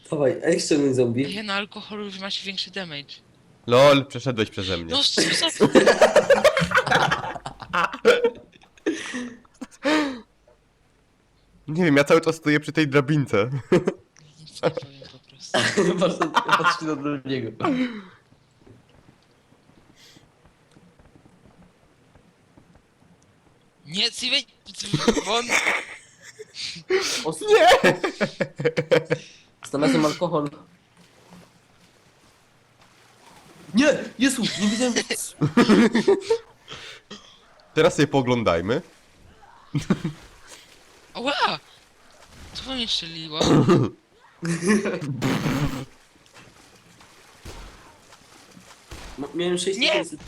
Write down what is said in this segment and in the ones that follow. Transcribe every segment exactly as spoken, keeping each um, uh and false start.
Dawaj, a jak ściągnąć zombie? Nie, na alkoholu już macie większy damage. Lol, przeszedłeś przeze mnie. No co za... Nie wiem, ja cały czas stoję przy tej drabince. Nic nie powiem po prostu. Patrz, patrz na drugiego. Nie, Steven! Won! Nie! Znalazłem alkohol. Nie! Jezu! Nie widziałem... Teraz sobie poglądajmy. Ała! Co mnie strzeliło? No, miałem sześć Nie! tysięcy.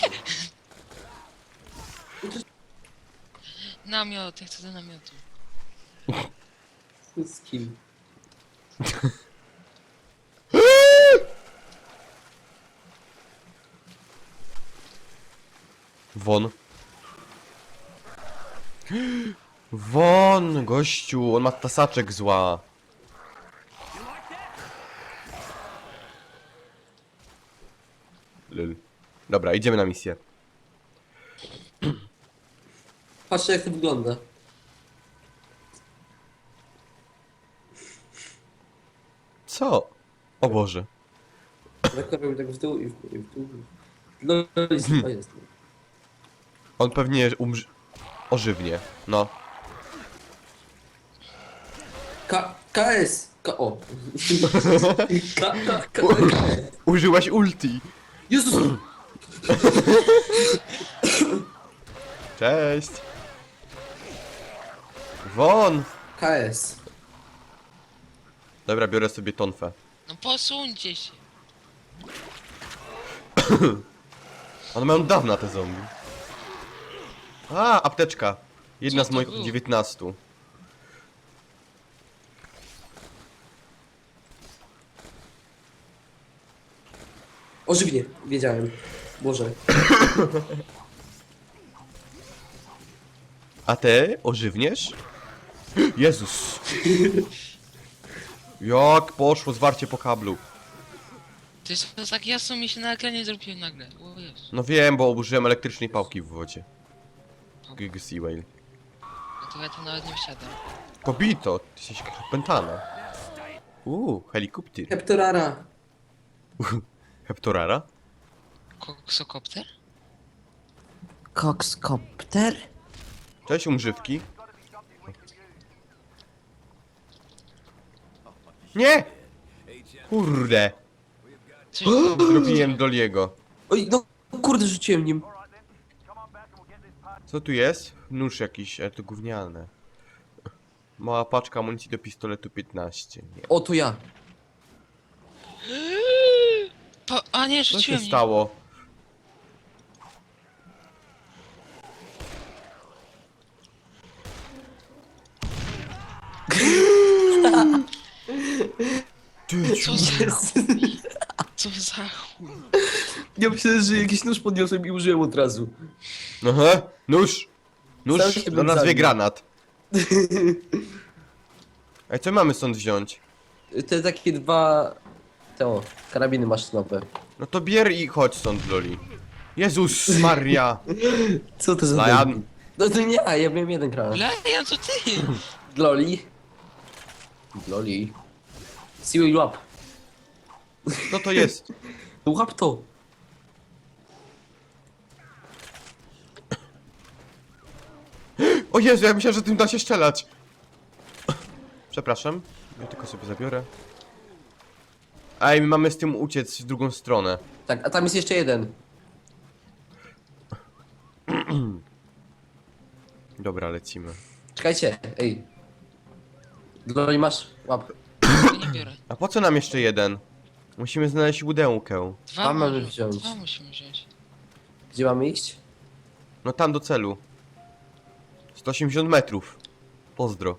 Namiot, ja chcę do namiotu. Z kim? Won. Won, gościu, on ma tasaczek zła. Lol. Dobra, idziemy na misję. Patrzcie jak to wygląda. Co? O Boże. Tak robię tak w dół i w dół i w dół. No, jest, Hmm. to jest. On pewnie umrze... ożywnie. No. K... KS! K... O! K... K... K... Użyłaś ulti. Jezus! Cześć. Won. K S. Dobra, biorę sobie tonfę. No posuńcie się. One mają dawna te zombie. A, apteczka. Jedna Co z to moich było? dziewiętnastu. Ożywnie, wiedziałem. Boże. A ty ożywniesz? Jezus. Jak poszło zwarcie po kablu. To jest to tak jasno mi się na ekranie zrobiło nagle. O Jezu. No wiem, bo użyłem elektrycznej pałki w wodzie. Gig Seaway. No to ja tu nawet nie wsiadam. Kobito, ty jesteś pętana. Uuu, helikopter. Heptorara. Heptorara? Koksokopter? Kokskopter? Cześć umżywki. Nie! Kurde. Coś Zrobiłem Doliego. Oj, no kurde, rzuciłem nim. Co tu jest? Nóż jakiś, ale to gówniane. Mała paczka amunicji do pistoletu piętnaście. Nie. O, to ja. Po, a nie, Co się rzuciłem nim. stało? Ty, Co za chuj? Co za chuj? Ja myślę, że jakiś nóż podniosłem i użyłem od razu. Aha, nóż! Nóż Sam się do bym nazwie zabił. granat. Ej, co mamy stąd wziąć? Te takie dwa... Te o, karabiny maszynowe. No to bier i chodź stąd, Loli. Jezus Maria! Co to za Lajan. debil? No to nie ja, ja miałem jeden granat. Lejan, to ty! Gloli. Gloli. Siły łap. Co to jest? Łap to. O Jezu, ja myślałem, że tym da się strzelać. Przepraszam, ja tylko sobie zabiorę. Ej, my mamy z tym uciec w drugą stronę. Tak, a tam jest jeszcze jeden. Dobra, lecimy. Czekajcie, ej. Gloli masz? Łap. Ja nie biorę. A po co nam jeszcze jeden? Musimy znaleźć łudełkę. Dwa Tam mamy może- wziąć. Dwa musimy wziąć. Gdzie mamy iść? No tam do celu. sto osiemdziesiąt metrów. Pozdro.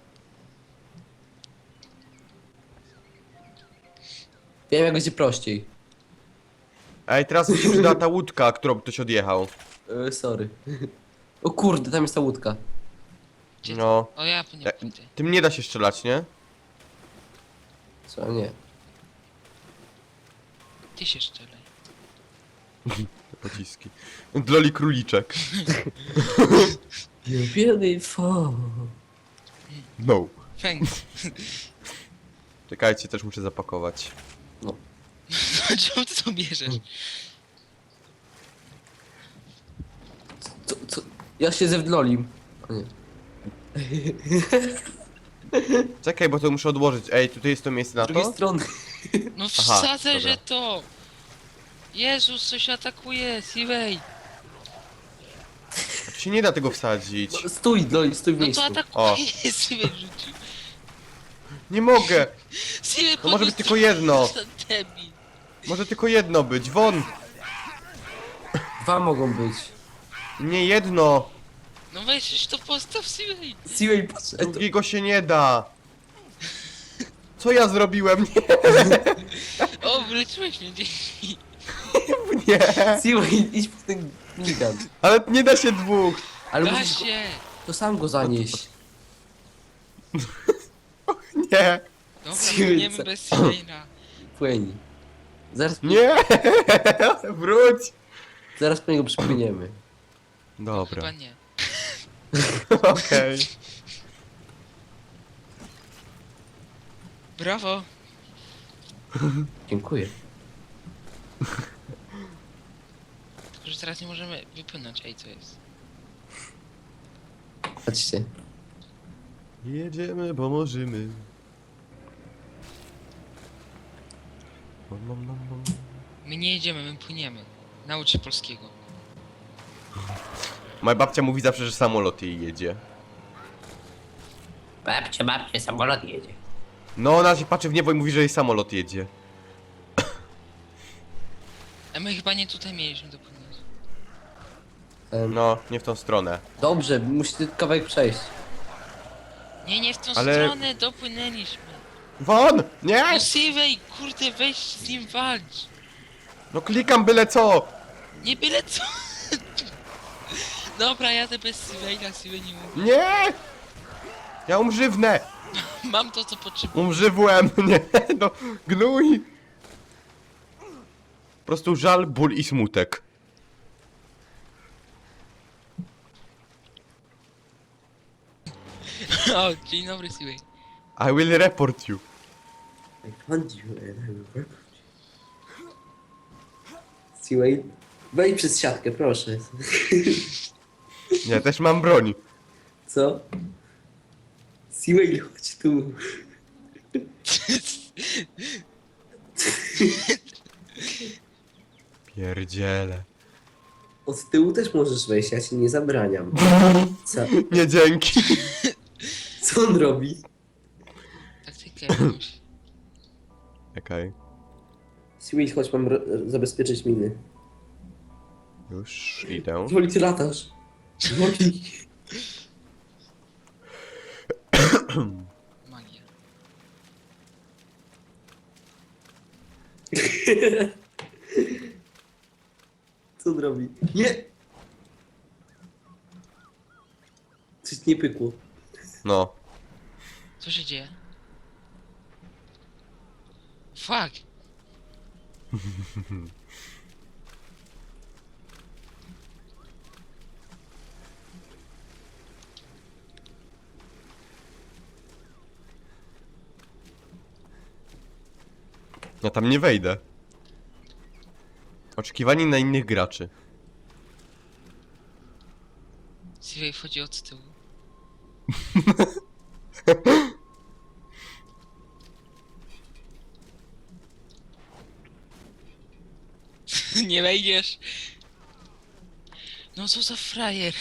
Wiem jak będzie prościej. Ej, teraz mi się przyda ta łódka, którą ktoś odjechał. Yy, sorry. O kurde, tam jest ta łódka. Gdzie No. O ja po nie E, pójdę. Tym nie da się strzelać, nie? Co nie? Ty się szczelej. Pociski. Dloli króliczek. You're beautiful. No. Thanks. Czekajcie, też muszę zapakować. No. Czemu ty to bierzesz? Co, co? Ja siedzę w Dlolim. O nie. Czekaj, bo to muszę odłożyć. Ej, tutaj jest to miejsce na Z drugiej to? strony. No Aha, wsadzę, dobra. że to! Jezus, coś atakuje, Siwej! Tu się nie da tego wsadzić. No, stój, Dlolim, stój w No miejscu. to atakuje, Siwej rzucił. Nie mogę! Siwej, To może być tylko jedno. Debil. Może tylko jedno być. Won! Dwa mogą być. Nie jedno! No weź już to postaw, Siwej! Siwej, patrz, e, to... Drugiego się nie da! Co ja zrobiłem? O, wyleczyłeś mnie, dzięki. Nie! Nie! Siwej, idź po ten minigun. Ale nie da się dwóch! Ale Da musisz go, się! to sam go zanieść. Nie! Dobra, Siwej, płyniemy co- bez Siwejna. Płyń. Zaraz, Nie! Wróć! zaraz po niego przypłyniemy. Dobra, Chyba nie. okej. Brawo! Dziękuję. Tylko, że teraz nie możemy wypłynąć, ej, co jest? Patrzcie. Jedziemy, bo możemy. Nom, nom, nom, nom. My nie jedziemy, my płyniemy. Naucz się polskiego. Moja babcia mówi zawsze, że samolot jej jedzie. Babcia, babcia, samolot jedzie. No, ona się patrzy w niebo i mówi, że jej samolot jedzie. A my chyba nie tutaj mieliśmy dopłynąć. Em, No, nie w tą stronę. Dobrze, musicie kawałek przejść. Nie, nie w tą Ale- stronę, dopłynęliśmy. Won! Nie! No Siwej, kurde, weź z nim walcz. No klikam byle co! Nie byle co. Dobra, jadę bez Siwejna, Siwej nie mówi. Nie! Ja umrzywnę! Mam to, co potrzebuję. Umrzywłem! Nie, no, gnój! Po prostu żal, ból i smutek. O, dzień dobry, Siwej. I will report you. I found you and I will report you. Siwej, wejdź przez siatkę, proszę. Nie, też mam broń. Co? Siwej, chodź tu. Pierdziele. Od tyłu też możesz wejść, ja ci nie zabraniam. Co? Nie dzięki. Co on robi? Taktykę jakąś. Okej. Siwej, chodź, mam ro- zabezpieczyć miny. Już idę. Woli, ty latasz. Woli. Magia. Co on robi? Nie! Coś nie pykło. No. Co się dzieje? Fuck! Ja tam nie wejdę. Oczekiwanie na innych graczy. Siwej wchodzi od tyłu. Nie wejdziesz. No co za frajer.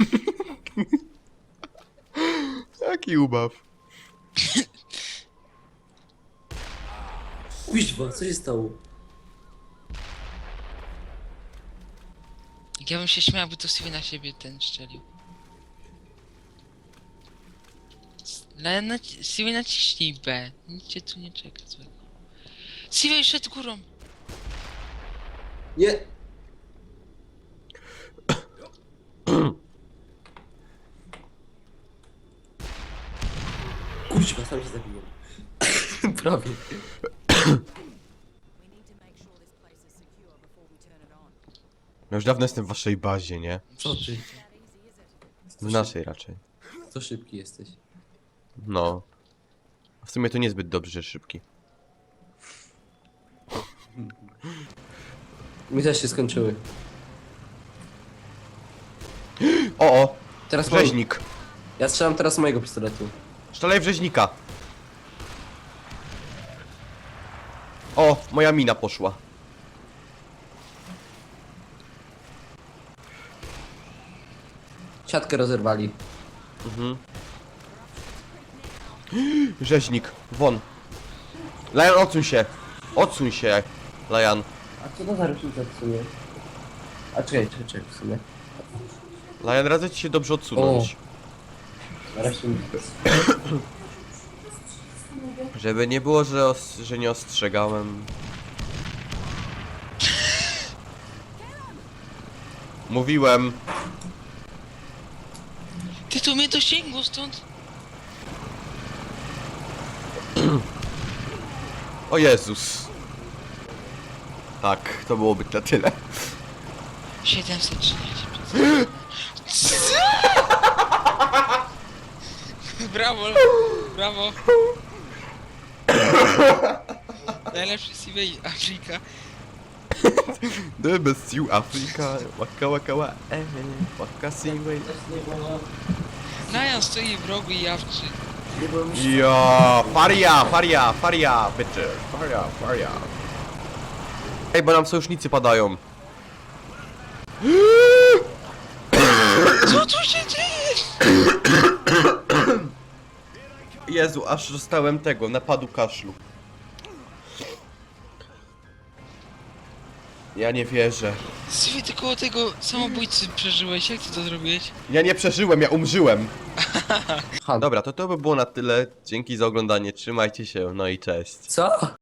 Jaki ubaw. Kuźwa, co się stało? Jak ja bym się śmiał, by to Siwej na siebie ten szczelił. Ale naci- Siwej naciśnij B. Nic cię tu nie czeka złego. Siwej szedł górą. Nie! Kuźwa, sam się zabiłem. robi? We need to make sure this place is secure before we turn it on. Ja już dawno jestem w waszej bazie, nie? Co ty? That easy, is it? W naszej raczej. Co szybki jesteś? No. W sumie to niezbyt dobrze, że szybki. Mi też się skończyły. O, o! Teraz mam... Rzeźnik! Ja strzelam teraz z mojego pistoletu. Strzelaj w rzeźnika! O! Moja mina poszła. Siatkę rozerwali. Mhm. Rzeźnik, won. Lion, odsuń się! Odsuń się, Lion. A co to za różnica w sumie? A czekaj, czekaj, czekaj w sumie. Lion, radzę ci się dobrze odsunąć. Nareszcie mi... Żeby nie było, że, os że nie ostrzegałem. Mówiłem. Ty tu mnie dosięgło stąd? O Jezus. Tak, to byłoby na tyle. siedemset trzydzieści. Brawo, brawo. Najlepszy C V Afryka. The best you Africa. Waka waka wa. Eh, waka siway. Najan stoi w rogu i jawczy. Ja, faria, faria, faria, bitches. Faria, faria. Ej, bo nam sojusznicy padają. Co tu się dzieje? Jezu, aż dostałem tego, napadu kaszlu. Ja nie wierzę. Sywy, ty koło tego samobójcy przeżyłeś, jak ty to zrobiłeś? Ja nie przeżyłem, ja umrzyłem. Ha, Dobra, to to by było na tyle. Dzięki za oglądanie, trzymajcie się, no i cześć. co?